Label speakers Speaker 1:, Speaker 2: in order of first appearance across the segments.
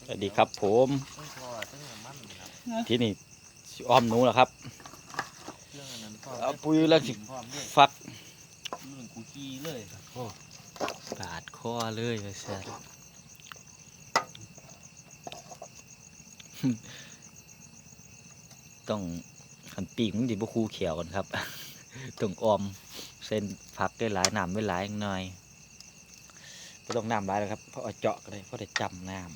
Speaker 1: สวัสดีครับผมที่นี่อ้อมหนูเหรอครับเอาปุยแล้วสิฟัก
Speaker 2: กูขี้เลย
Speaker 1: ปาดคอเลยแซ่บต้องหันปีกมันดิบุคูเขียวกันครับต้องออมเส้นผักได้หลายน้ำไม่หลายหน่อยไม่ต้องน้ำหลายแล้วครับเพราะเอาเจาะก็ได้เพราะได้จำน้ำ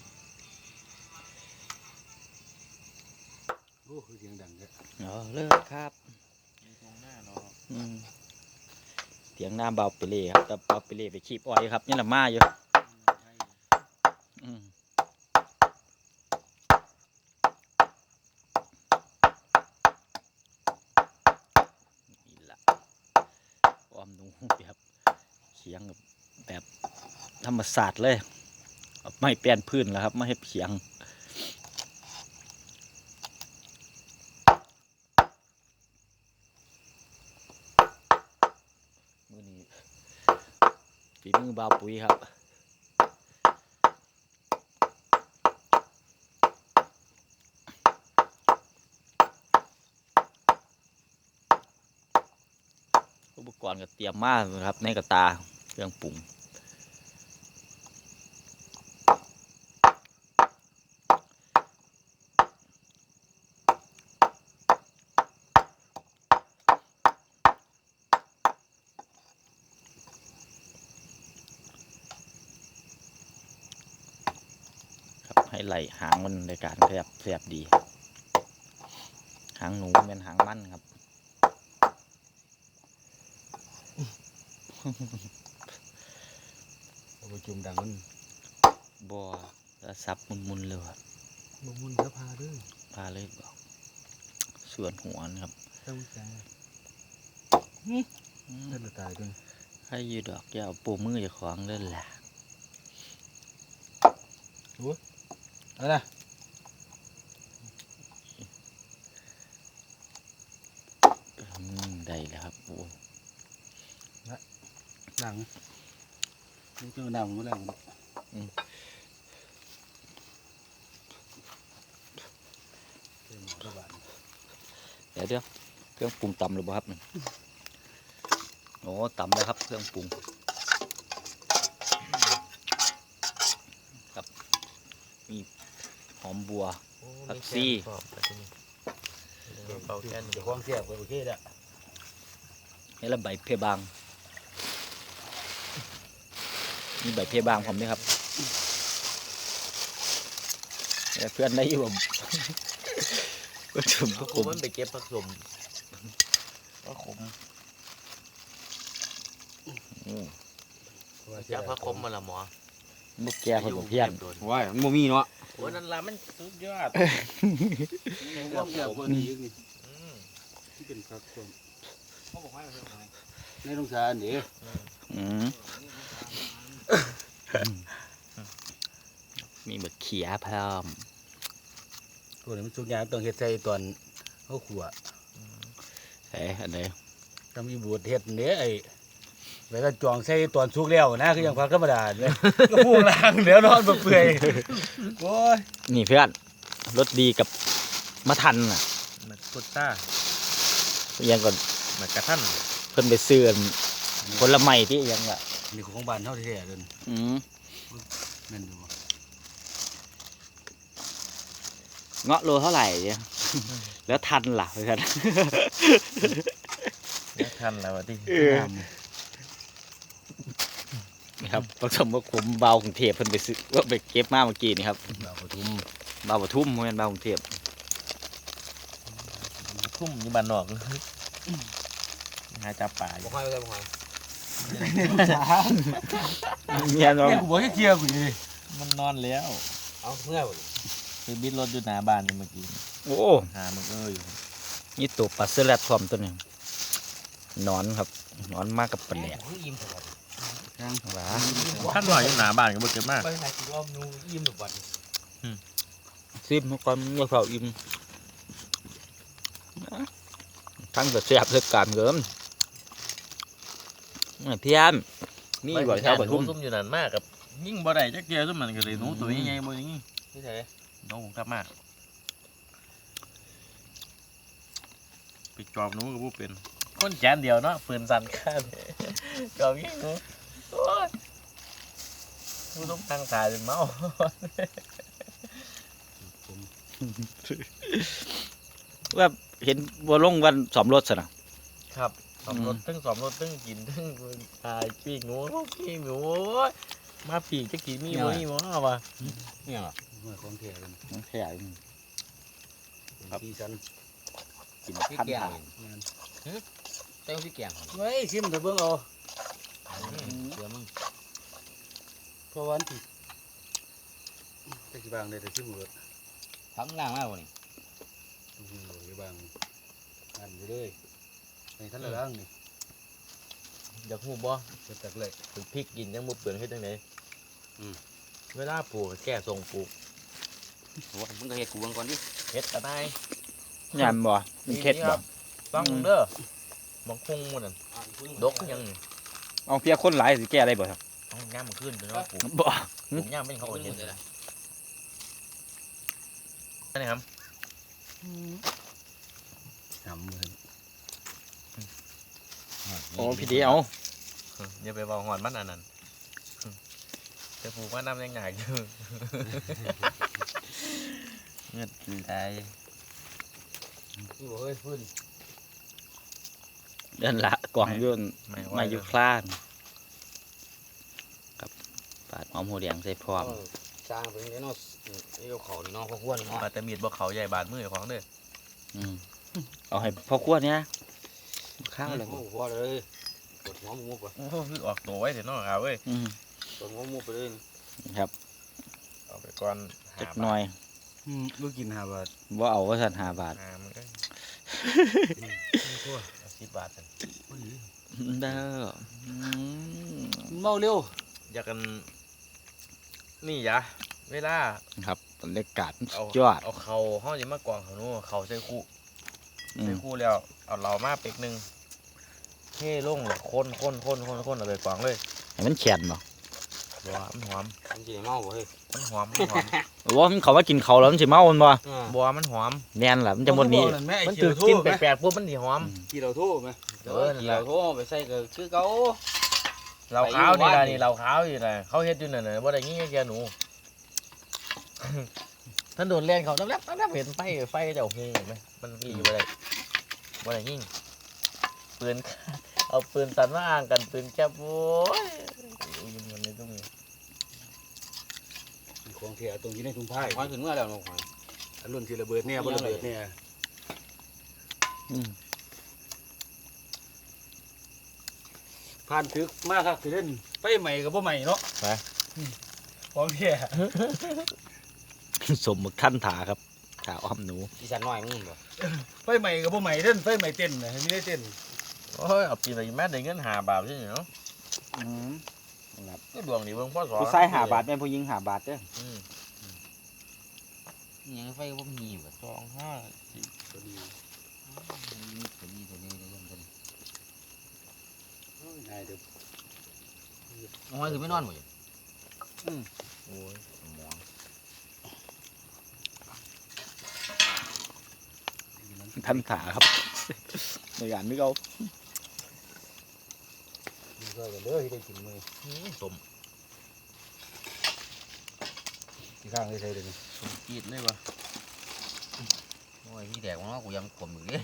Speaker 2: โอ้คือเสียงดังเลย
Speaker 1: เลิกครับเสียงน้ำเบาไปเลยครับแต่เบาไปเลยไปขีบอ้อยครับนี่แหละมาอยู่นี่ละอ้อมหนูแบบเขียงแบบธรรมศาสตร์เลยไม่เปลี่ยนพื้นแล้วครับไม่ให้เขียงมือนี้ฝีมือบ่าวปุ๋ยครับอุปกรณ์ก็เตรียมมากนะครับในกระตาเครื่องปรุงให้ไหลหางมันในการแสบดีหางหนูเป็นหางมันครับ
Speaker 2: ประชุมดังมัน
Speaker 1: บัวแล้วซับมุนๆเลยครับ
Speaker 2: มุนแล้วพาด้วย
Speaker 1: พาเลยบอกส่วนหัวนะครับ
Speaker 2: ต้องใจนั่นตายด้วย
Speaker 1: ให้ยืดดอกยาวปูมือจะคล้องเล่นแหละ
Speaker 2: เอาละ
Speaker 1: ได้แล้วครับโอ้
Speaker 2: หนังนี่คือหนังมั้งหนัง
Speaker 1: เดี๋ยวเครื่องปรุงตำหรือเปล่าครับโอ้ตำแล้วครับเครื่องปรุงครับมีหอมบัวผักชี
Speaker 2: จะคล้องเสียบไปโอเคแล้ว
Speaker 1: นี่ละใบเพบางมีใบเพบางผมไหมครับเพื่อนได้อยู่ก็ถึง
Speaker 2: ผมมันไปเก็บผักสมผักขมจะผักขมมาละหมอ
Speaker 1: มุกแก่คนเพี้ยน
Speaker 2: ว้ายมันมีเนาะโอ้นั่นละมันสุดยอดว่าเกี่ยวกับนี้นี่ที่เป็นผักสมเขาบอกให้ในโรงชาเนี่ย
Speaker 1: มีแบบเขียพร้อม
Speaker 2: ตัวนี้มันสุกยากต้องเฮ็ดใส่ตอนเขาขัว
Speaker 1: อันไหน
Speaker 2: ต้องมีบูดเฮ็ดเนี่ยไอ้เวลาจองใส่ตอนสุกแล้วนะคือยังพักธรรมดาเลยก็พูดล่างเดี๋ยวนอนเปื่อยโอ้ย
Speaker 1: นี่เพื่อนรสดีกับมะทันน่ะ
Speaker 2: มะกุต้า
Speaker 1: ยังก่อน
Speaker 2: มะกระทัน
Speaker 1: เพิ่นไปซื้อผลไม้ที่ยังอ่ะ
Speaker 2: นี่ของบ้านเท่าที่แท้เดินนั่นดู
Speaker 1: เงาะโลเท่าไหร่เนี่ยแล้วทันล่ะเพื่อน
Speaker 2: ทันแล้วที่
Speaker 1: ครับผสมกับขมเบากรุงเทพเพิ่นไปซื้อว่าไปเก็บมาเมื่อกี้นี่ครับ
Speaker 2: เบาปทุม
Speaker 1: เบาปทุมโมเมนต์เบากรุงเทพ
Speaker 2: ทุ่มอยู่บ้านนอกหาจับป่าบ่ค่อยไปบ่ค่อย
Speaker 1: เมียน้อง
Speaker 2: กูบอกให้เคลียร์กูดิมันนอนแล้ว
Speaker 1: เอาเมื่อ
Speaker 2: คือบิดรถอยู่หน้าบ้านเมื่อกี้
Speaker 1: โอ้
Speaker 2: หามึงอยู่
Speaker 1: นี่ตัวปลาเสื้อแรดพร้อมตัวนึงนอนครับนอนมากกับปลาแหลก
Speaker 2: หลาท่านหน่อยอยู่หน้าบ้านก็บ่เก็บมากไปไหนกูอ้อมนูอิ่มทุกวัน
Speaker 1: ซิมก่อนเมื่อเขาอิ่มทั้งแต่แซ่บเลือดการเกินเพี้ยน
Speaker 2: นี่บ่แถวปทุมซุ่มอยู่นั่นมากกับยิ่งบ่ได้จักเดียวซุ่มมันก็เลยหนูตัวใหญ่ๆบ่อย่างงี้
Speaker 3: นี่เถอะน้องผมกลับมาไปจอบหนูกับผู้เป็นคนแจนเดียวเนาะปืนสั่นข้างจอบยิงหนูโอ้ยผู้ต้องทางสายเป็นเมา
Speaker 1: ว่าเห็นบัวลงวันสอมรถซะนะครับ
Speaker 3: สอมรถตึ้งสอมรถตึ้งกินตึ้งตายปีกหนูปีกหนูมาปีกจะกินมีบ่มีบ่เอาวะ
Speaker 2: เนี่ยเมื่อของแท้กัน
Speaker 1: น้องแค่
Speaker 2: ที่ฉัน
Speaker 1: กิน
Speaker 4: พี่
Speaker 1: พัน
Speaker 4: แกง
Speaker 1: หา
Speaker 4: เต้าพี่แกง
Speaker 2: เฮ้ยชิมเถอะเบิ่งเอา
Speaker 4: เสือมึง
Speaker 2: เพราะวันที่ตะกี้บางได้แต่ชิมหมด
Speaker 4: พักล่างมากกว่านี่
Speaker 2: อยู่บางอันไปเลยในท่านละล่างนี่
Speaker 3: อยากหูบ่
Speaker 2: เปิดตักเลย
Speaker 3: ถึงพริกกินยังบ่เปลืองเฮ็ดจังไดเวลาปลูกแก้ทรงปลูก
Speaker 4: โอ้มึงก็เฮ็ดกูเบิ่งก่อนดิ
Speaker 3: เฮ็ดก็ได้
Speaker 1: ยามบ่มันเค็ดบ่
Speaker 3: ฟังเด้อบางคงมันนั่นดกยังนี่
Speaker 1: เอาเพียคนหลายสิแก้ได้บ่ครับ
Speaker 3: ต้องย่ามมันขึ้นไปเนาะปลูก
Speaker 1: บ่
Speaker 3: ปลูกย่ามเป็นเขาเห็นเลยนี่ครับ
Speaker 2: ทำเลย
Speaker 1: โอ้พี่เดียว
Speaker 3: อย่าไปบอกหอนมันอันนั้นจะปลูกว่าน้ำยังไงอยู่เงือดไหล
Speaker 2: นี่บอกเฮ้ยพื้น
Speaker 1: เดินละกล่องอยุ่นมาอยู่คลานครับปาดหอมหัวแดงใส่พร้อม
Speaker 4: สร้างเป็นเนาะนี่เขาเขานี่เนาะพวกอ้วนเนาะ
Speaker 3: มาแต่มีดบ่เขาใหญ่บาดมือของเด้อ
Speaker 1: อืมเอาให้พ่อครัวเนี่ยข้าวเลย
Speaker 2: โอ้โหเลยกดหัวมุกว่ะ
Speaker 3: โอ้คือออกตัวไว้เถอะเนาะครับเว้ย
Speaker 1: อืม
Speaker 2: กดหัวมุกไปเลย
Speaker 1: ครับ
Speaker 3: เอาไปก่อน
Speaker 1: จักหน่อย
Speaker 2: ลูกกิน5 บาท
Speaker 1: ว่าเอาว่าสัน5 บาท
Speaker 3: มันก็10 บาทกัน
Speaker 1: เด้ออืม
Speaker 2: เมาเร็ว
Speaker 3: อยากกันนี่ยะเวลา
Speaker 1: ครับบรรยากาศ
Speaker 3: เอา
Speaker 1: ยอด
Speaker 3: เอาเขาห้องจะมากองเขาโน่เขาใส่คู่
Speaker 1: อื
Speaker 3: ใส่
Speaker 1: ม
Speaker 3: คู่แล้วเอาเรามาเป็กหนึ่งเท่ลงเลยคนเอาไปกองเลย
Speaker 1: ให้มันแข็งบ่
Speaker 3: บัวมันหอม
Speaker 4: มันสิเมาบ่เฮ้ย
Speaker 3: มันหอม
Speaker 1: ว่ามันเขาว่ากินเขาวแล้วมันสิเมามันบ่
Speaker 3: บัวมันหอม
Speaker 1: แน่นล่ะมันจะหมดนี้
Speaker 3: มันถือกินแปลกๆปุ๊บมันดีหอม
Speaker 2: กี่เราโทษไหม
Speaker 4: เกี่ยวโทไปใส่ก็คือเก่า
Speaker 3: เราขาวนี่ละนี่เราขาวนี่ละเขาเฮ็ดอยู่นั่นน่ะบ่ได้งี้แกหนู ท่านโดนเล่นเขาแลบเห็นไฟเจ้าหูไหมมันรีบ่ได้ยิงปืน เอาปืนตันมาอ้างกันปืนแคบโว้ยยิงมันในตรงนี้
Speaker 2: ของแท้ตรงที่ในถุงผ้า
Speaker 4: ควายขึ้นเมื่อแล้วเนาะควาย
Speaker 2: อันรุ่นที่ระเบิดเนี่ยบ่ระเบิดเนี่ย
Speaker 1: อืม
Speaker 2: ผ่านทึกมากครับสิเล่นไฟใหม่กับบ่ใหม่เนาะของแท้
Speaker 1: สมมึกขั้นถาครับถาอ้อมหนู
Speaker 4: อีสานน้อยมึงบ่
Speaker 2: ไฟใหม่กับบ่ใหม่เล่นไฟใหม่เต้นนะไม่ได้เต้น
Speaker 3: โอ้ยเอาปีนไปแม่ได้เงิน5 บาทใช่ไหมเนาะ
Speaker 1: อืมครับ
Speaker 3: ก็ดวงดีเบิ่งพ่อสอน
Speaker 1: ผู้ชาย5 บาทแม่ผู้หญิง5 บาทเด้อ
Speaker 4: ยังไฟบ่มีบ่
Speaker 3: 2 5
Speaker 2: ตัวนี้
Speaker 4: ตัวนี้เรื่องตัวนี้
Speaker 2: นายเด้อ
Speaker 4: น้อยคือไม่นอนบ่อยู่
Speaker 3: โอ้ย
Speaker 4: หมอง
Speaker 1: ท่านถาครับ ในการนึกเอา
Speaker 2: มีก็กันเด้อที่ได้กินมื้อ
Speaker 3: สม
Speaker 2: ที่ข้างได้ใส่เด้อนี่
Speaker 3: กีดเลยปะ
Speaker 4: โอ้ยพี่แดกว่ากูยังขมอยู่ดิ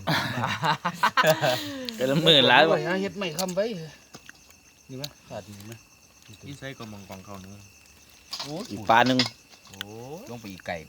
Speaker 1: แต่ละหมื่นล้าน
Speaker 2: โอ้ยหาเฮ็ดใหม่คำไว้นี่มั้ยขาดนี่มั้ย
Speaker 3: ที่ใส่กระมังกองเขาเนื้อ
Speaker 1: อีกปลาหนึ่ง
Speaker 3: โอ้
Speaker 4: ลงไปอีกไก่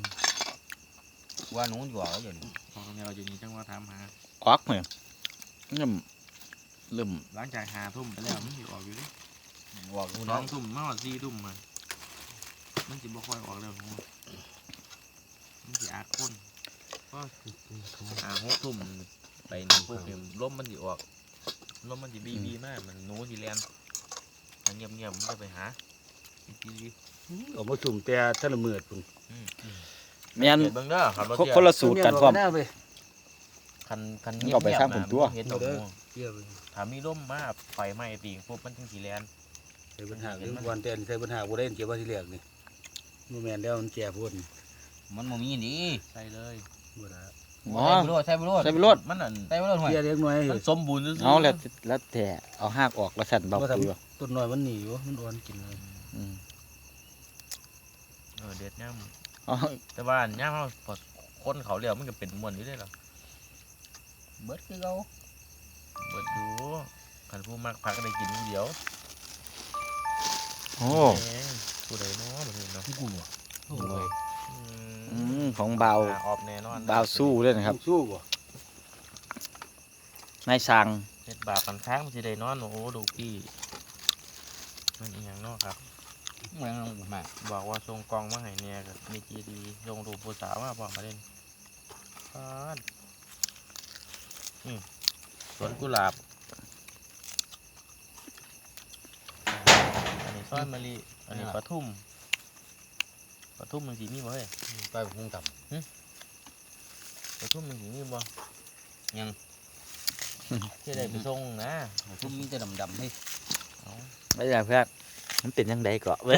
Speaker 4: ว่าหนูอยู่อ่ะอยู่นี่
Speaker 3: ของแนวจะนี้จังว่าถามหา
Speaker 1: ออกเนี่ยเริ่ม
Speaker 3: หลังจาก5 ทุ่มไปแล้วมันสิออกอยู่ดิ
Speaker 4: บอกกู
Speaker 3: 2
Speaker 4: น้อง
Speaker 3: ทุ่มมาว่า4 ทุ่มมันสิบ่ค่อยออกแล้วมันสิอาคนก็6 ทุ่มไปนี่พวกนี้ลมมันสิออกลมมันสิบีมากมันหนูสิแล่นถ้าเงียบๆมันก็ไปหาดี
Speaker 2: ออกมาสุ่มแต่ท่านละมื้อพุ่น
Speaker 1: แม่น
Speaker 3: เห็นเบิ่งเด้อขับรถ
Speaker 1: คนละสูตรกันพร้อม
Speaker 3: คัน
Speaker 1: มึงเอาไปสร้างผมตัว
Speaker 3: เห็นดอกบัว
Speaker 2: เกี่ยวไป
Speaker 3: ถ้ามีลมมาไฟไหม้ตีปุ๊บมันถึงสิแลน
Speaker 2: ใส่ปัญหาเรื่องวันแต่ใส่ปัญหาบ่ได้เกี่ยวว่าที่แรกนี่บ่แม่นแล้วมันแก่พุ่น
Speaker 4: มันบ่มีนี่
Speaker 3: ใส่เลย
Speaker 2: บ่ได้
Speaker 1: อ๋อ
Speaker 4: ใส่ไปโลด
Speaker 1: ใส่ไปโลด
Speaker 3: มันอัน
Speaker 4: ใส่ไปโลดห่วย
Speaker 2: เกี่ยเล็กน้อย
Speaker 3: มันสมบูรณ์ซื่อๆ
Speaker 1: เอาแล้วแต่เอาหากออกแล้วสั่นเบาปุ๋ย
Speaker 2: ต้นน้อยมันหนีอยู่มันอ่อนกินเลย
Speaker 1: อืม
Speaker 3: เด็ดย่
Speaker 1: อ๋อ
Speaker 3: ำแต่ว่าย่ำเขาพอคนเขาเรียวมันก็เป็นม้วนอยู่ได้หรอ
Speaker 4: เบิดคือเก่า
Speaker 3: เบิดดูขันผู้มักพักก็ได้กินผู้เดียว
Speaker 1: โอ้
Speaker 3: แหมผู้ใดเนาะบ่ได้เนาะ
Speaker 2: กูบ่
Speaker 3: โอ้ย
Speaker 1: ของเบา
Speaker 3: ออบแน่นอน
Speaker 1: เบาสู้ด้วยนะครับ
Speaker 2: สู้บ่
Speaker 1: นายสั่ง
Speaker 3: เฮ็ดบาปกันค้างมันสิได้นอนโอ้โหดูพี่มันอีหยังเนาะครับ
Speaker 4: เมืองมา
Speaker 3: บอกว่าส่งกล่องมาให้เนี่ยก็มีจีดีส่งรูปผู้สาวมาบอกมาเล่นปานสวนกุหลาบอันนี้ซอยมะลิอันนี้ปลาทุ่มมันสีมีบ่เฮ้ย
Speaker 4: ไปคงต่
Speaker 3: ปลาทุ่มมันสีมีบ่ยังที่ได้ไปส่งนะ
Speaker 4: ำทุ่มมีแต่ดำๆให้
Speaker 3: เอา
Speaker 1: ไม่ใช่เพื่อนมันเป็นยังไงเกาะ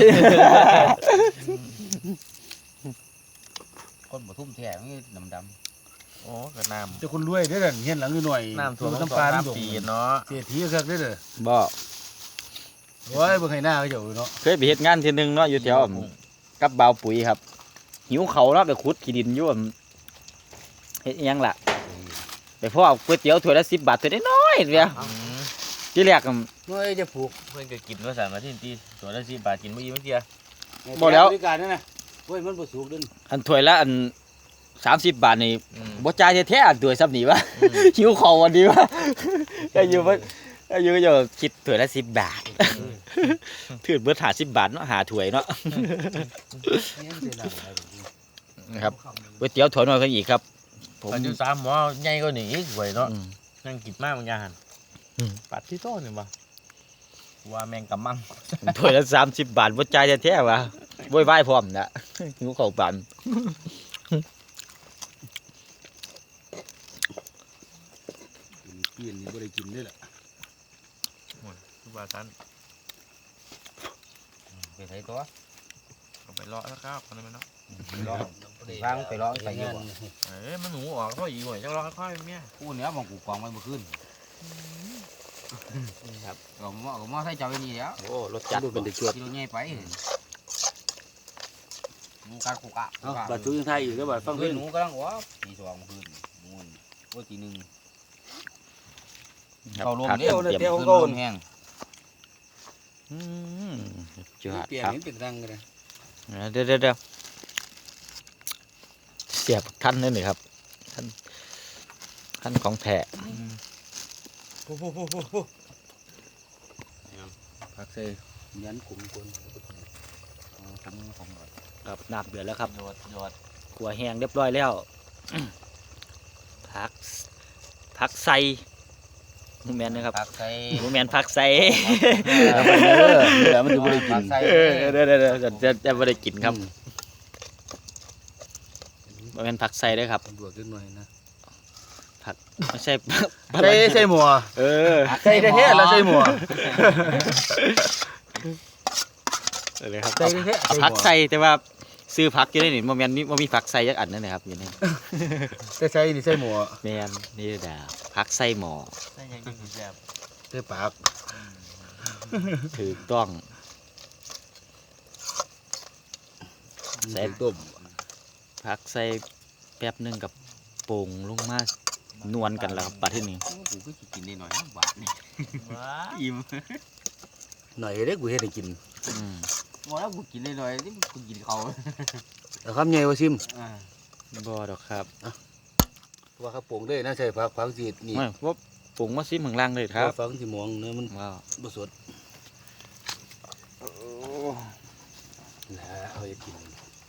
Speaker 4: คนบ่ทุ่มแท้มีดำ
Speaker 3: โอ้ก็น้
Speaker 2: เจ้าคนรวยเด้อนั่นเฮียนหลังอยู่หน่อย
Speaker 3: ำท่วม
Speaker 2: น้ำปลา
Speaker 3: น้ำ
Speaker 2: น้ำ
Speaker 3: ปีเนาะ
Speaker 2: เศรษฐีคักเด้อเด้อ
Speaker 1: บ่
Speaker 2: โอ้ยเบิ่งให้หน้าเขาเจ้าอยู่เนาะ
Speaker 1: เคยไปเฮ็ดงานทีนึงเนาะอยู่แถวกับเบาปุ๋ยครับ หิวเขาวเนาะไปขุดขี้ดินอยู่เฮ็ดอิหยังล่ะไปพ่อเอาก๋วยเตี๋ยวถ้วยละ10 บาทถ้วยน้อยๆเดียว
Speaker 3: อืม
Speaker 1: ที่แรกก็
Speaker 2: เฮ้ยจะผูก
Speaker 3: เพื่อนก็กินว่าสั่งมาที่ตีตัวละ10 บาทกินเมื่อกี้เมื่อกี้
Speaker 1: บ่แล้ว
Speaker 2: บริการนั่นน่ะโอ้ยมันบ่สุกเด้อ
Speaker 1: อันถ้วยละอัน30 บาทนี่
Speaker 3: อืม
Speaker 1: บ่จ่ายแท้ๆอันถ้วยซับนี่วะ หิวเขาววันนี้วะก็อยู่ว่าก็อยู่คิดถ้วยละ10 บาทถือเบิด50 บาทเนาะหาถ้วยเนาะ
Speaker 2: เนี่ยสิล่ะ
Speaker 1: นะครับก๋วยเตี๋ยวถ้วยน้อยก็อีกครับผม
Speaker 3: ปัจจุบันหมอใหญ่กว่านี้อีกสวยเนาะ
Speaker 1: อืม
Speaker 3: นั่งกินมากบางอย่างปัดที่โต้นี่บ่ว่าแมงกะมัง
Speaker 1: ถ้วยละ30 บาทบ่จ่ายแท้ๆวะโวยวายพร้อมนะหิวข้าวปาน
Speaker 2: เปลี่ยนนี่บ่ได้กินเด้อล่ะ
Speaker 3: ทุกบาทัน
Speaker 4: ไปใส่ตัว
Speaker 3: เอาไปเลาะแล้วครับคนนั้นเนาะ
Speaker 4: วางไปร้องใส่อยู่บ่
Speaker 3: เอ้ยมันหนูออกก็อีกหน่อยจังเลาะค่อยๆเมีย
Speaker 4: กูเนี้ยมองกูกองไว้เมื่อคืน
Speaker 1: นี่ครับ
Speaker 4: ก็มอใส่เจ้าไว้นี่แล้ว
Speaker 1: โอ้รสจัด
Speaker 2: ดูเป็นตะจวด
Speaker 4: กิโลใหญ่ไปหมูกะกูกะ
Speaker 2: เอ้าบาดทุกยังไทยอีกแล้วบาดฟัง
Speaker 4: เฮ้
Speaker 2: เพิ่
Speaker 4: ย
Speaker 2: น
Speaker 4: หนูกำลังว่าตีสองคืนมูนโอ้ตีหนึ่ง
Speaker 1: ครับ
Speaker 4: เข้าลม
Speaker 1: ผัก
Speaker 4: เดียว
Speaker 1: เตรียม
Speaker 2: เดี๋ยว
Speaker 4: ขึ้น
Speaker 2: ก็
Speaker 4: ลมแห้ง
Speaker 1: อืมจอด
Speaker 2: เปลี่ยน
Speaker 1: ครับ
Speaker 2: นี่เป็นรังกันนะ
Speaker 1: เดี๋ยวเสียบท่านนี่ครับท่านของแท้
Speaker 3: ผักเซ่
Speaker 2: ยันขุมคน
Speaker 1: ครับน้ำเดือดแล้วครับ
Speaker 3: ยอด
Speaker 1: ขัวแห้งเรียบร้อยแล้ว ผักใส่หมูแมนนะครับ
Speaker 4: ผักใส่
Speaker 1: หมูแมนผักใส่
Speaker 2: แล้วมันเด้อมันจะบ่ได้กิน
Speaker 4: ผัใส่
Speaker 1: เดี๋ยวจะไม่ได้กินครับหมูแมนผักใส่ด้วยครับ
Speaker 2: บวกขึ้นหน่อยนะ
Speaker 1: ไม่ใช่
Speaker 2: ใส่หมัว
Speaker 1: เออ
Speaker 2: ใส่แท้ๆแล้วใส่หมัว
Speaker 1: เลยครับ
Speaker 2: ใส่แท้ๆ
Speaker 1: เอาผักใส่แต่ว่าซื้อผักอยู่ในนี่โมแมนมีผักใส่ยักอันนั่นนะครับอยู่ใน
Speaker 2: แต่ใส่นี่ใส่หมัว
Speaker 1: แมนนี่ดาผักใส่หมอ
Speaker 3: ใส่ยังกินแซ่บ
Speaker 2: ใส่ปาก
Speaker 1: ถูกต้อง ใส่
Speaker 2: ต้ม
Speaker 1: ผักใส่แป๊บหนึงกับโป่งลงมานวลกันแล้วครับปลาที่นี่
Speaker 4: กูก็สิกินได้หน่อยนะบาทนี่
Speaker 3: ว้า
Speaker 4: อิ่ม
Speaker 2: หน่อยเด้อกูเฮ็ดให้กิน
Speaker 1: อืม
Speaker 4: บ่แล้วกูกินได้หน่อยนี่กูกินเขา
Speaker 2: เอาคำใหญ่ว่าซิม
Speaker 1: บ่ดอกครับ
Speaker 2: ว่าเขาปรุงได้นะใส่ผักสีนี่
Speaker 1: ไม่ว่าปรุงมาซิมข้างล่างเลยครับ
Speaker 2: ผักสีม่วงเนื้อมัน
Speaker 1: ว้าว
Speaker 2: บ่สดนะเอาจะกิน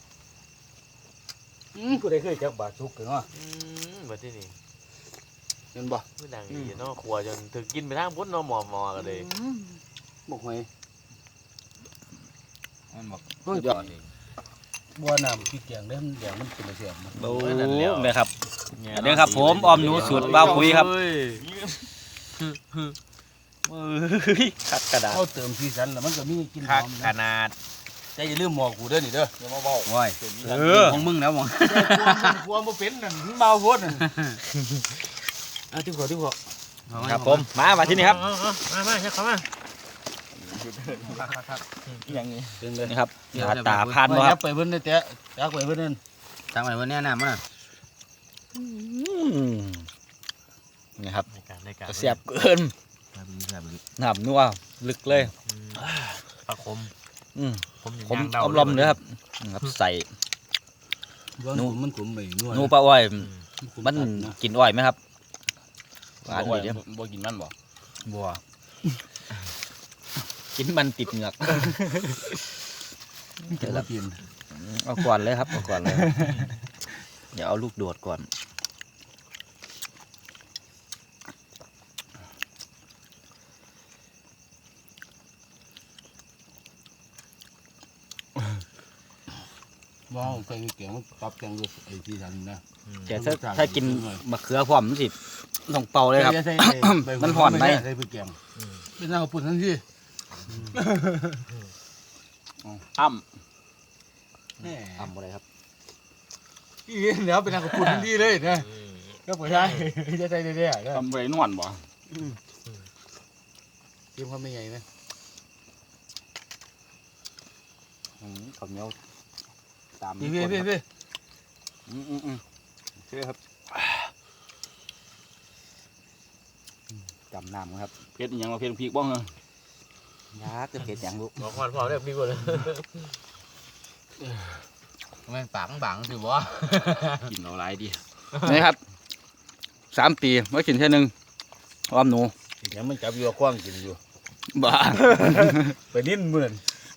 Speaker 2: กูได้เคยจักบาทสุกกันวะ
Speaker 3: แบบที่นี่
Speaker 2: เห็นบ่
Speaker 3: คือดังดีเนาะครัวจนถึงกินไปทางพุ้นเนาะหมอกันเลย
Speaker 2: บอกหอย
Speaker 4: มันบอก
Speaker 2: เฮ้ย
Speaker 4: ยอดเลย
Speaker 2: บัวน้ำพริกแกงได้มันแดงมันเป็นเสียบมัน
Speaker 1: โอ้ยเนี่ยครับ อันนี้ครับผมออมหนูสูตรบ้าวคุยครับ คักกระดาษ
Speaker 2: เขาเติมสีสันแล้วมันก็มีกลินห
Speaker 3: คัก
Speaker 2: อม
Speaker 3: ข
Speaker 2: นะ
Speaker 3: นาด
Speaker 2: ใจอย่าลืมหมอกกูเด้อนี่เด้ออย่ามาเบา
Speaker 4: โอ้ยของมึงแล้วมึง
Speaker 2: กลัวบ่เป็นนั่นเมาโพดนั่นที่ขอ
Speaker 1: ครับผมมาที่นี่ครับ
Speaker 3: มาเข้ามา
Speaker 1: อย่างนี้
Speaker 2: เป็นเลย
Speaker 1: นี่ครับตาพานบ่ครับ
Speaker 2: ไปเพิ่นได้แต่ยักไปเพิ่นนั่น
Speaker 4: ทางไหนวันนี้น้ำมัน
Speaker 1: นี่ครับ
Speaker 3: ในการ
Speaker 1: เสียบเกินน้ำนัวลึกเลย
Speaker 3: ปลาคม
Speaker 1: ผมอมลมเนื้อครับครับใส่
Speaker 2: มันขมไปนัว
Speaker 1: นูปลาอ้อยมันกินอ้อยไหมครับหวานดีเด้อ
Speaker 2: บ่กินมันบ่
Speaker 1: บัวกินมันติดเหงือก
Speaker 2: เดี๋ยวเรากิน
Speaker 1: เอาก่อนเลยครับเอาก่อนเลยเดี๋ยวเอาลูกโดดก่อน
Speaker 2: ว้าวใส่แกงมันตับแกงด้วยไอ้ที่ทันนะ
Speaker 1: แต่ถ้ากินมะเขือพร้อมมันสิต้องเป่าเลยครับ มันห่อนไหม
Speaker 2: ใส่ไปแกงเป็นน้ำปุ่นทันที
Speaker 1: อ้ำ
Speaker 2: แหม
Speaker 1: อ้ำอะไรครับ
Speaker 2: อีเดี๋ยวเป็นน้ำปุ่นทันทีเลยนะก็ไม่ใช่จะใส่ได้ๆนะ
Speaker 5: ทำไปนวลบ่
Speaker 2: กินความไม่ใหญ่ไหม
Speaker 1: ข้าวเหนียวตาม
Speaker 2: พี่
Speaker 1: คนครับ
Speaker 2: พี่
Speaker 1: โอเคครับจำน้ำครับ
Speaker 5: เพชรอหยังมาเพชรพริกบ้างเหรอ
Speaker 1: ยักษ์จะเผ็ดอย่างลูก
Speaker 3: บอกความพอได้ดีกว่าเลย
Speaker 4: มันปากบังสิบ่
Speaker 5: กินเอาหลายดี
Speaker 1: นี่ครับ3 ปีไว้กินแค่นึงอ้อมหนู
Speaker 2: เดี๋ยวมันจับอยู่คว้างกินอยู่
Speaker 1: บ้า
Speaker 2: ไปดิ้นเหมือน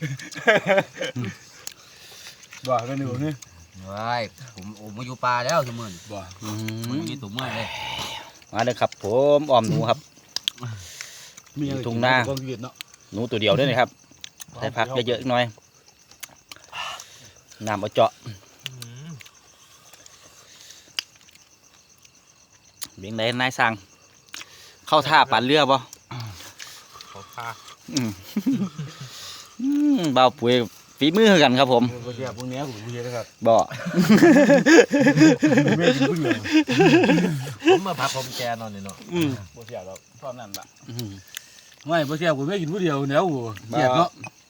Speaker 2: บ่ากันอยู่นี่
Speaker 4: ว้ายผมมาอยู่ป่าแล้วสมื่น
Speaker 2: บ่า
Speaker 4: มันมีตุ่มเมื่อเลย
Speaker 1: มาเลยครับผมอ้อมหนูครับ
Speaker 2: มีอะไร
Speaker 1: ทุ่งนา
Speaker 2: ความเวียดเนาะ
Speaker 1: หนูตัวเดียวด้วยนะครับใส่ผักเยอะๆหน่อยน้ำเอาเจาะเบียงไหนนายสั่งเข้าท่าปั่นเรือบ่
Speaker 3: ขอพา
Speaker 1: เบาปุ๋ยฝีมือกันครับผม
Speaker 2: พวกพวกนี้ผมเยอะนะครับ
Speaker 1: บ่
Speaker 2: ไม่กินผู้เดียว
Speaker 3: ผมมาพักผมแกนอนนี่เนาะ
Speaker 5: บ่เสียหรอกตอนนั้นล่ะ
Speaker 2: ไม่พวกเสียผมไม่กินผู้เดียวเนี้ยโอ้เสียเนาะ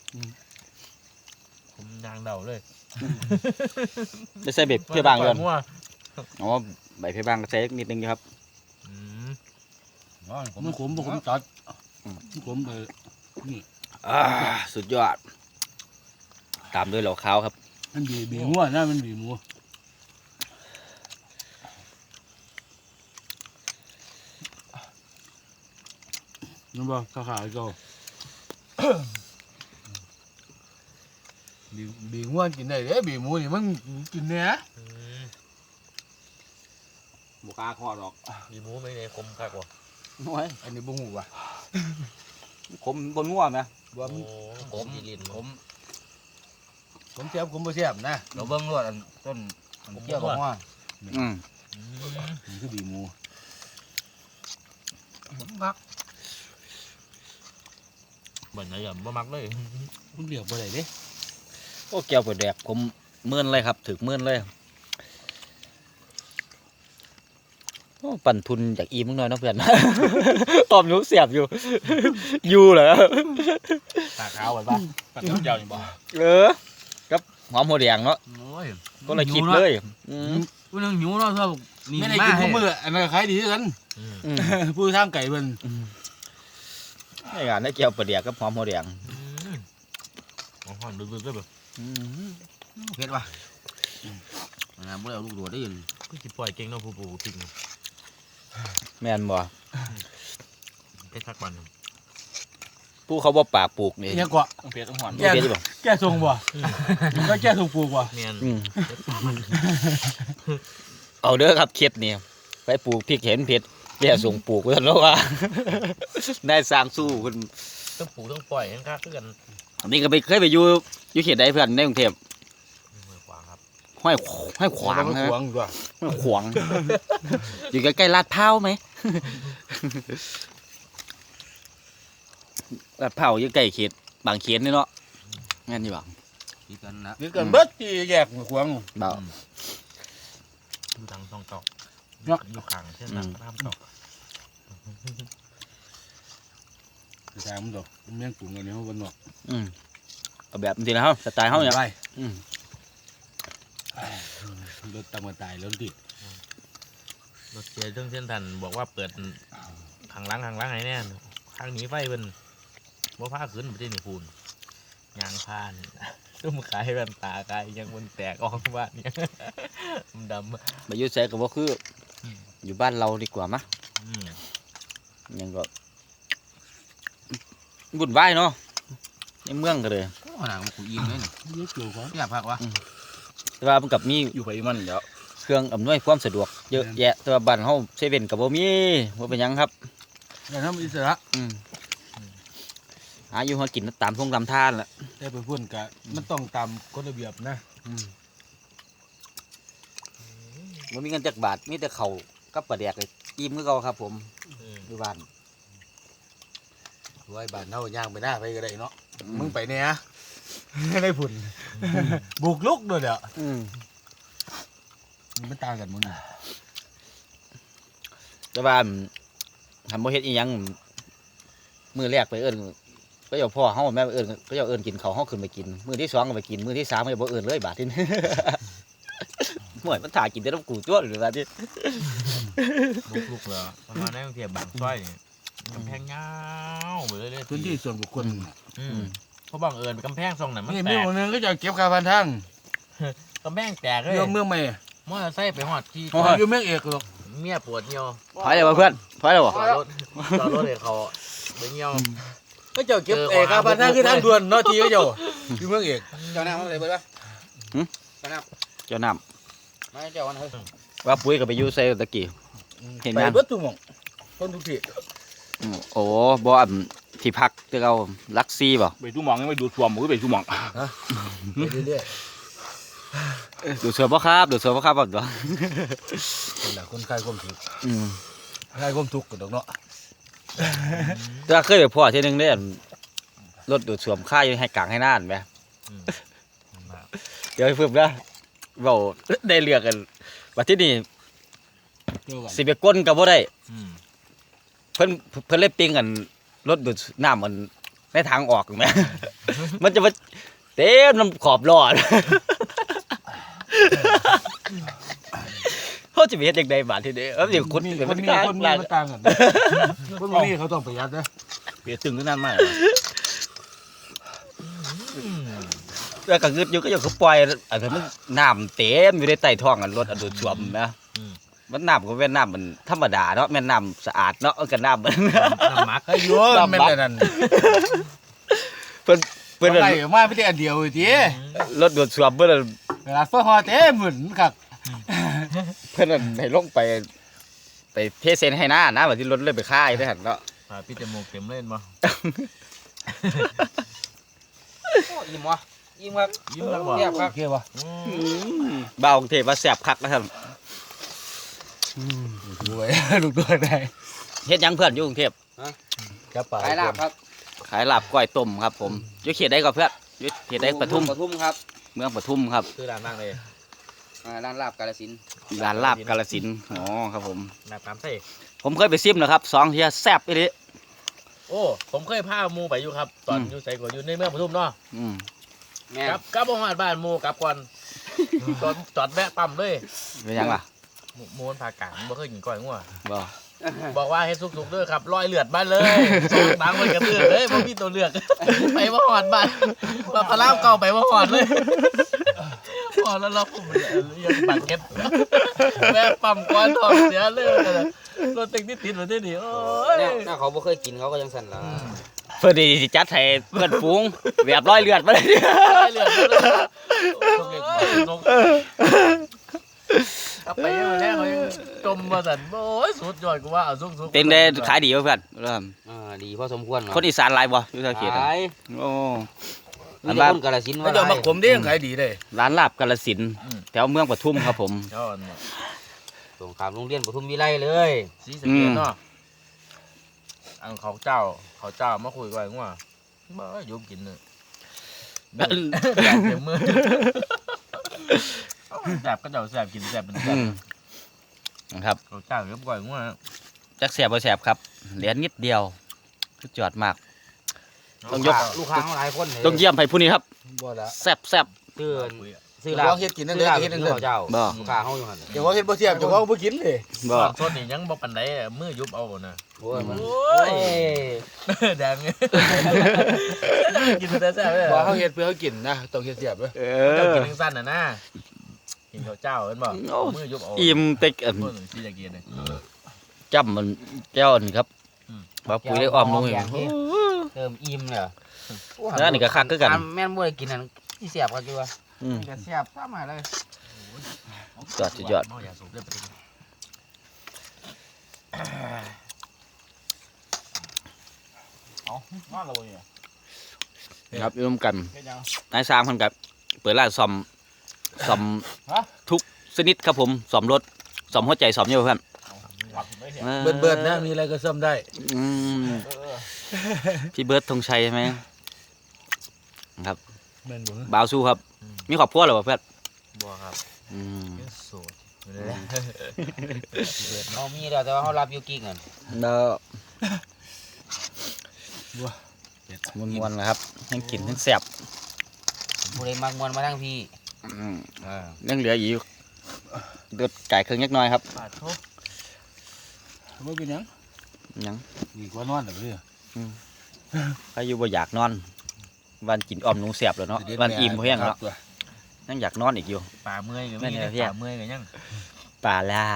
Speaker 3: ผมยางเดาเลย
Speaker 1: ได้ใส่เบ็ดเพื่อบางเลย
Speaker 3: มั่ว
Speaker 1: อ๋อใบเพื่อบางก็ใส่นิดนึงอยู่ครับ
Speaker 2: มันขมจัดขมไป
Speaker 1: สุดยอด ตามด้วยเหล่าขาวครับ
Speaker 2: มันบีงัวนะมันบีหมูนั่นบ่ขาเก่าบีงัวกินได้เด้บีหมูนี่มันกินเนื้อ
Speaker 5: บ่กล้าคอดอก
Speaker 3: มีหมูไม่ในคมคักว่ะ
Speaker 1: น้อย
Speaker 2: อันนี้บ่หูว่ะ
Speaker 1: ผมบนง่วงนะ
Speaker 2: ว่า
Speaker 3: โอ้
Speaker 2: มัน
Speaker 3: ผมลิ้นผม
Speaker 2: ผมเสียบผมบ่เสียบนะ
Speaker 4: เราเบิ้งรวดต้นเกี่ยวกับว่า
Speaker 2: นี่คือบีหมู
Speaker 4: พัก
Speaker 3: เหมือนอะไรอย่างบ่มักเลย
Speaker 2: มันเรียกบ่ได้เด้
Speaker 1: โอ้แก้วเปิดแดกผมเมื่อนเลยครับถึกเมื่อนเลยโอ้ปั่นทุนจากอีมึงหน่อยเนาะเพื่อน ตอมนิ้วเสียบอยู่ อยู่เหรอ
Speaker 5: ตาขาวไว้ป่ะปัดน้ำเจียวนี่บ่
Speaker 1: กับหอมหัวแดงเนาะ
Speaker 4: โอ้ย
Speaker 1: ก็เลยคิดเลย
Speaker 4: กูนึงหิวเนาะชอบนี่
Speaker 2: ไม่ได้
Speaker 4: มา
Speaker 2: กิน
Speaker 4: ให้
Speaker 2: ทุกมื้ออันนั้นก็ขายดีคือกันผู้ทางไก่เพิ่น
Speaker 1: ในงานได้แก้วเปิดแดกกับหอมหัวแดง
Speaker 3: ห่อนบึ้บๆเลยแบบ
Speaker 4: เผ็ดว่ะนะบ่ได้เอาลูกโดดได้ยิน
Speaker 3: ก็จิปล่อยเก่งเนาะผู้ปูทิ้ง
Speaker 1: แม่นบ่
Speaker 3: ไอ้ทักวัน
Speaker 1: ผู้เขาบ่ปากปลูกนี่
Speaker 2: ยังกว่า
Speaker 5: ต้องเพชรต้องหอน
Speaker 1: โอเคดิบ่
Speaker 2: แก้ทรงบ่ก็แก้ทรงปลูกบ่
Speaker 3: เมียน
Speaker 1: เอาเด้อครับเข็ดนี่ไปปลูกพริกเห็นเผ็ดแย่ส่งปลูกไว้แล้วว่า ได้สร้างสู้คุณ
Speaker 3: ต้องปูต้องปล่อยให้คักกัน
Speaker 1: อันนี้ก็ไปเคยไปอยู่เขตใดเพื่อนในกรุงเทพ
Speaker 3: ขวางครับ
Speaker 1: ห้อยขวาง
Speaker 2: มัน
Speaker 1: นะ
Speaker 2: ขวางกว่า
Speaker 1: ห้อยขวาง อยู่ใกล้ๆลาดพร้าวไหม ลาดพร้าวอยู่ใกล้เขตบางเขนนี่เนาะงั้นนี่บ่
Speaker 4: คิดกันนะ
Speaker 2: นี่กันเบิดที่แยกขวาง
Speaker 1: เบา
Speaker 3: ดูทางช่องตอก
Speaker 2: เนาะ
Speaker 3: อยู่ข้างเส้นทางตามตอก
Speaker 2: ทางมันดอกมันยังปรุงอันนี้มันดอก
Speaker 1: เอาแบบนี้นะครับสไตล์เขาเนี่ย
Speaker 2: ไป
Speaker 1: อืม
Speaker 2: รถตามมาตายแล้วติด
Speaker 3: รถเสียเรื่องเส้นทันบอกว่าเปิดข้างหลังไหนแน่ข้างหนีไฟเป็นว่าผ้าขึ้นไม่ได้หนีพูนยางพานตุ้มขายแว่นตากายยังมันแตกออกบ้านเนี่ยมันดำ
Speaker 1: ไปอยุ่ใส่กับว่าคืออยู่บ้านเราดีกว่ามะ
Speaker 3: อืม
Speaker 1: ยังก็บุ่นวายเนาะในเมืองก็เลย
Speaker 4: ขนาดมันกูอิ่มเลยนี่
Speaker 2: ยกเกี่ยวของ
Speaker 4: อยากพักวะ
Speaker 1: แต่ว่ามันกับมี
Speaker 5: อยู่ไปมันเดี๋ยว
Speaker 1: เครื่องอำนวยความสะดวกเยอะแยะแต่ว่าบ้านเฮาเซเว่นกับบ่มีบ่เป็นหยังครับ
Speaker 2: แต่ทำอิสระ
Speaker 1: หาอยู่หากินตามท่งตามท่านแหละ
Speaker 2: แต่ไปพุ่นกะมันต้องตามกฎระเบียบนะ
Speaker 1: บ่มีเงินจักบาทมีแต่ข้าวกับปลาแดกเลยอิ่มคือเก่าครับผมอยู่บ้าน
Speaker 2: ไว้บ้านเฮาย่างไปหน้าไปก็ได้เนาะมึงไปเนี่ยได้พุ่นบุกลุกด้วยเด้อมันต่างกันมึง
Speaker 1: แต่ว่าทำบ่เฮ็ดอีหยังมื้อแรกไปเอิ้นก็อย่าพ่อเฮาแม่เอิ้นก็อย่าเอิ้นกินข้าวเฮาขึ้นไปกินมื้อที่2ก็ไปกินมื้อที่3ก็อย่าบ่เอิ้นเลยบาดนี้ ห่วยมันถ่ากินแต่น้ำกูจ้วหรือบาดนี้
Speaker 3: ลุกเลยประมาณนั้นเทียบบางซอยนี่กำแพงยาวไปเรื่อยๆ
Speaker 2: พื้นที่ส่วนบุคคล
Speaker 3: เพราะบังเอิญกำแพงทรงนั้นมัน
Speaker 2: นี่
Speaker 3: แต
Speaker 2: มี
Speaker 3: ก
Speaker 2: คนนึงก็จะเก็บค่าพันทาง
Speaker 3: กำแพงแตกเลย
Speaker 2: เรื่องเมืองใหม่
Speaker 3: มอเตอร์ไซค์ไปหอดที่
Speaker 2: อยู่เมืองเอกหรอก
Speaker 3: เมียปวดเหี่ยว
Speaker 1: ถอยเลยว่ะเพื่อนถอยเลยว่ะ
Speaker 3: จอดรถให้เขาไปเหี่ยว
Speaker 2: ก็จะเก็บค่าพันทางคือทางด่วนเนาะทีก็เจ้าอยู่เมืองเอกเจ้าหน้ามันเลยเบิดป่ะ
Speaker 1: เจ้าน้
Speaker 2: ไม่เจ้าวันเฮ้ย
Speaker 1: ำว่าปุ้ยก็ไปอยู่ใส่ตะกี้ เห็น
Speaker 2: ไป
Speaker 1: ยัง
Speaker 2: เบิดทุกหม่องคนทุกที่
Speaker 1: โอ้บ่อันที่พักที่เราลักซี่บ่
Speaker 5: ไปดูหมองยังไปดูสวมมือไปดูหมอง
Speaker 2: ไปเรื่อย
Speaker 1: ดูเสือบ่ครับดูเสือบ่ครับบ่ตัว
Speaker 2: ๆคนละคนคลายความทุกข์
Speaker 1: อืม
Speaker 2: คลายความทุกข์กันดอกเนาะ
Speaker 1: แต่ว่าเคยไปพ่อทีนึงได้อันรถดูดสวมค่ายให้กลางให้น่านไหมเดี๋ยวให้เพิ่มนะเบาได้เลือกกันว่าที่นี่
Speaker 2: เกี่ยวกัน
Speaker 1: สิไปก้นก็บ่ได้เพิ่นเลยปิ้งกันรถดูดน้ำมันในทางออกแหม มันจะมาเต็มน้ำขอบล้อ เขาจะไปเฮ็ดจังไดบาดทีนี้เดี๋ยวคน
Speaker 2: มี
Speaker 1: เดี๋ยว
Speaker 2: ค
Speaker 1: มัน น
Speaker 2: มี
Speaker 1: กลาง
Speaker 2: คนมี
Speaker 1: กลาง
Speaker 2: มันต่างกันคนมีเขาต้องประหยัดนะ
Speaker 5: เปียตึงขึ้นนั่นมาก
Speaker 1: แล้วก็งึดอยู่ก็อยู่เขาปล่อยอันนั้นมันน้ำเต็มอยู่ในใต้ท้องอันรถอันดูดซ่วมนะมันน้ำก็เป็นน้ำมันธรรมดาเนาะแม่นน้ำสะอาดเนาะเอาก็น้ำมัน
Speaker 3: น้ำมัก
Speaker 2: ไอ้โยนแม่นแต่นั่น
Speaker 1: เพิ่น
Speaker 2: เปิดอะไรมาไม่ได้อันเดียวที
Speaker 1: รถดูดซ่วมเพิ่น
Speaker 2: เวลาเฟื่องฮอเต้หมุนครับ
Speaker 1: เพิ่นให้ลงไปเทเซนให้หน้านะว่าที่รถเลยไปค่ายได้หั่นเนาะ
Speaker 3: พี่จมูกเต็มเล่นบ่
Speaker 1: อิ่มวะอิ่มครับ
Speaker 3: ยิ้มแล้วบ่
Speaker 2: เรียบครับโอเคป่ะ
Speaker 1: บ่าวกรุงเทพว่าแซ่บคักนะครับ
Speaker 2: รวยลูกตัวได้
Speaker 1: เฮ็ดหยังเพื่อนอยู่กรุงเทพ
Speaker 2: จับปลา
Speaker 6: ขายลาบครับ
Speaker 1: ขายลาบก้อยต้มครับผมอยู่เขตใดก็เพื่อนอยู่เขตใดปทุม
Speaker 6: ปทุมครับ
Speaker 1: เมืองปทุมครับ
Speaker 3: คือร้านมากเลย
Speaker 6: ร้านลาบกาฬสินธุ์
Speaker 1: ร้านลาบกาฬสินธุ์อ๋อครับผม
Speaker 3: น้ำตามใส่
Speaker 1: ผมเคยไปซิมนะครับ2เที่ยแซ่บอีหลี
Speaker 3: โอ้ผมเคยพาหมูไปอยู่ครับตอนอยู่ใส่ก่อนอยู่ในเมืองปทุมเนาะ
Speaker 6: แม่
Speaker 3: กลับบ่ฮอดบ้านหมูกลับก่อนจอดแวะปั๊มเลย
Speaker 1: เป็นหยังล่ะ
Speaker 3: หมูมันผากลางบ่เคยกินก้อยงัว
Speaker 1: บ่
Speaker 3: บอกว่าให้สุกๆด้วยครับรอยเลือดบ้านเลยส่งตังค์มันกระเตือนเลยบ่มีตัวเลือก ไปบ่ฮอดบ้านเราตะลาบเก่าไปบ่ฮอดเลยพอแล้วเราผมยังบัตรเก็บแม่ปั๊มก้อนทองเสียเลยรถติดติดมาที่นี่โอ้ย
Speaker 6: เนี่ยเขาบ่เคยกินเขาก็ยังสั่นละ
Speaker 1: เพื่อนดีสิจัดให้เพื่อนฝูงแบบร้อยเลือดมาเลย
Speaker 3: รอยเลือดเลยกลับไปยังแรกเขายังจมมาสั่นโอ้ยสุดยอดกูว่าเอาสุกๆ
Speaker 1: เป็นได้ขายดีป่ะเพื่อน
Speaker 6: ดีพอสมควร
Speaker 1: คนอีสานหลายบ่อยู่ทางเขตอะ
Speaker 6: ขาย
Speaker 1: โอ้
Speaker 6: มีแต่คนกาฬสินธุ์
Speaker 2: ไม่
Speaker 6: ว่า
Speaker 2: จะ
Speaker 6: หลา
Speaker 2: มาย ขมได้ยังขายดีเลย
Speaker 1: ร้านลาบกาฬสินธุ์แถวเมืองปทุมครับผม
Speaker 3: ยอด
Speaker 6: ตรงข้ามโรงเรียนปทุมวิไลเลย
Speaker 3: สีสะเกตเนาะอันเขาเจ้ามาคุยกันว่าบ่ยุบกินเนอะแซ่บเต็มมือแซ่บก็เจ้าแซ่บกินแซ่บเป็นแซ่บ
Speaker 1: นะครับ
Speaker 3: เขาเจ้าเรียบร้อยง่วง
Speaker 1: จักแสบบ่แสบครับเหลือนิดเดียวสุดยอดมาก ต้องยก
Speaker 6: ลูกค้าหลายคนเลย
Speaker 1: ต้องเยี่ยมให้ผู้นี้ครับ
Speaker 2: บ่ละ
Speaker 1: แซ่บแซ่บ
Speaker 6: ซื้อซื้อ
Speaker 2: เดี๋ยวเขาเฮ็ดกินนั่นเด้อเฮ็ดนั่นเด้อ
Speaker 6: เจ้า
Speaker 1: บ่
Speaker 6: ลูกค้าเฮาอยู่หั่น
Speaker 2: เดี๋ยวเขาเฮ็ดบ่เทียบเดี๋ยวเขาบ่กินเลย
Speaker 1: บ่
Speaker 3: สดนี่ยังบ่ปันไดมือยุบเอานะ
Speaker 6: โอ้ยมัน
Speaker 3: โอ้ยแดงกินแต่แซ่บเลย
Speaker 2: บ่เขาเฮ็ดเพื่อเขากินนะต้องเฮ็ดเทียบเด้อ
Speaker 3: เจ้ากินทั้งสั้นนะกินข้าวเจ้าเห็นบ่มือยุบเอา
Speaker 1: อิ่มเต็ก
Speaker 3: คนที่จะกินเลย
Speaker 1: จ้ำมันแก้วนี่ครับบ่าปุ๋ยได้อ้อมลงอีก
Speaker 6: เติมอิ่มเลย
Speaker 1: แล้วนี่ก็คักคือกัน
Speaker 6: แม่นบ่ได้กินนั่นที่เสียบกันอยู่ว่า
Speaker 1: อืม
Speaker 6: จะเสียบซ้ำมาเลย
Speaker 1: ยอดสุดยอด
Speaker 3: เมาอย่าสูบเด้อไปกิน
Speaker 5: มาแล้วเนี่ย
Speaker 1: ครับร่วมกัน
Speaker 5: เฮ็ดยัง
Speaker 1: นายสร้างเพิ่นกับเปิดร้านซ่อมทุกชนิดครับผมซ่อมรถซ่อมหัวใจซ่อมเยอะเพื่อน
Speaker 5: หลับไม่เห็น
Speaker 2: เบิดๆนะมีอะไรก็ซ่อมได้
Speaker 1: อืมพี่เบิร์ดธงชัยใช่ไหมครับ
Speaker 2: แม่นบ่
Speaker 1: บ่าวสู้ครับ มีครอบครัวหรือเปล่าเพื่อน
Speaker 3: บัวครับ
Speaker 1: อืม
Speaker 3: ยังโสดอยู่เลย
Speaker 6: เฮามีแล้วแต่ว่าเฮารับอยู่กิ๊กนั่น
Speaker 1: แล้วมวนๆนะครับทั้งกินทั้งแซ่บ
Speaker 6: ผู้ใดมักม่วนมาทางพี่
Speaker 1: อืมยังเหลืออีกเดือดไก่เครื่องยักหน้อยครับ
Speaker 3: ปาดทุบ
Speaker 2: บ่เป็นหยัง
Speaker 1: ยัง
Speaker 2: ดีกว่านอนเด้อ
Speaker 1: ใครอยู่บ่อยากนอน วันกินอ้อมหนูแซ่บแล้วเนาะวันอิ่มเพราะยังเนาะยังอยากนอนอีกอยู่
Speaker 3: ป่าเมื่อยก็
Speaker 1: แม่
Speaker 3: มี
Speaker 1: น
Speaker 3: นะ
Speaker 1: เนี่ย
Speaker 3: ป่าเมื่อยก็ยัง
Speaker 1: ปลาล่า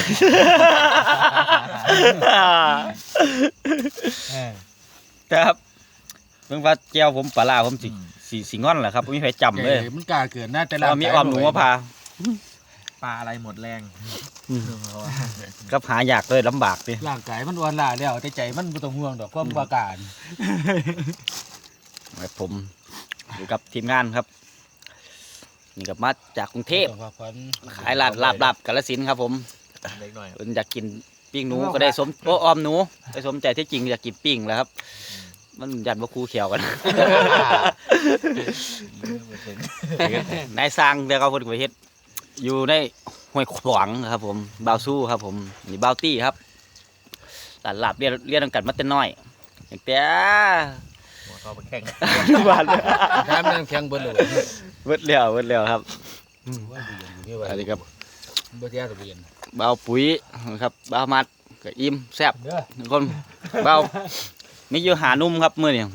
Speaker 1: ครับเพิ่งว่าแก้วผมปลาล่าผมสิงอนแหละครับไม่มีใครจำเลย
Speaker 2: มันกล้าเกินนะแต่
Speaker 1: เพราะว่ามีอ้อมหนูมาพา
Speaker 3: ปลาอะไรหมดแรง
Speaker 1: ก็หายากเลยลำบากดิ
Speaker 2: ร่างกายมันอ่อนล้าแล้วแต่ใจมันบ่ต้องห่วงดอกความประการ
Speaker 1: ครับผมอยู่กับทีมงานครับนี่กับมาจากกรุงเทพ
Speaker 2: ต้องพักผ่อน
Speaker 1: ขายลาบกาฬสินธุ์ครับผม
Speaker 3: เล็กหน่อย
Speaker 1: เพิ่นอยากกินปิ้งหนูก็ได้สมออมหนูได้สมใจที่จริงอยากกินปิ้งแหล้วครับ มันยันว่าคู่เขียวกัน นายสร้างเดี๋ยวเขาเพิ่นไปเฮ็ดอยู่ในห้วยขวางครับผมบ่าวสู้ครับผมนี่บ่าวตี้ครับตลาดเรียนกันมาแต่น้อยตั้งแต่
Speaker 3: หัวเข้าไปแข่ง
Speaker 1: บ้าน
Speaker 2: น้ำมันแข็งเบิดเลย
Speaker 1: เบิดแล้วครับ อันนี้ครับ
Speaker 2: บ่เทียตะเบียน
Speaker 1: บ่าวปุ๋ยครับบ่าวมัดก็อิ่มแซ่บ
Speaker 2: เด้อ
Speaker 1: ทุกคนบ่าวมีอยู่หานุ่มครับมื้อนี้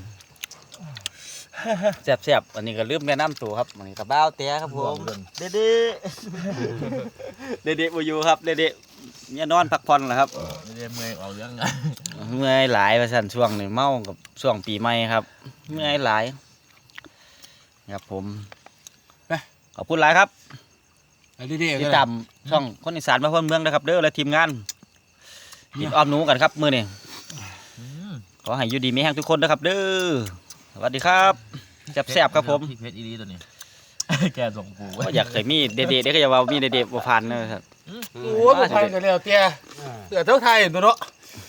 Speaker 1: แซ่บอันนี้ก็ลืมแนะนำตัวครับอันนี้ก็บ่าวเตี้ยครับผมเด็ดเด็ดบ่อยู่ครับเด็ดเนี่ยนอนพักผ่อนแหละครับ
Speaker 3: ไม่ได้เมื่อยออกเรื่อง
Speaker 1: เมื่อยหลายว่าซั่นช่วงนี้เมากับช่วงปีใหม่ครับ เมื่อยหลายครับผมขอบคุณหลายครับ
Speaker 2: อันนี้เด้
Speaker 1: ติดตามช่องคนอีสานมาเพิ่มเมืองนะครับเด้อและทีมงานกินอ้อมหนูกันครับมื้อนี้ขอให้อยู่ดีมีแห้งทุกคนนะครับเด้อสวัสดีครับแซ่บๆครับผม
Speaker 3: ที่เพชรอีรีตัวนี้ แกส่งปู
Speaker 1: ก็อยากให้มีเด็ดๆเด็กก็อย่าว่ามีเด็ดๆบ่ผ่านนะครับ
Speaker 2: โอ้ยบ่ทันกันแล้วเตี้ยเสือเท่าไทยตัวเนาะ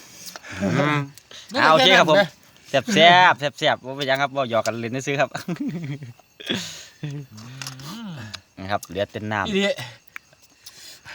Speaker 1: เอาโอเคครับผมแซ่บบ่เป็นหยังครับบ่หยอกกันเล่นซื้อๆครับนะครับเหลือแต่น้ำ
Speaker 2: อีเด้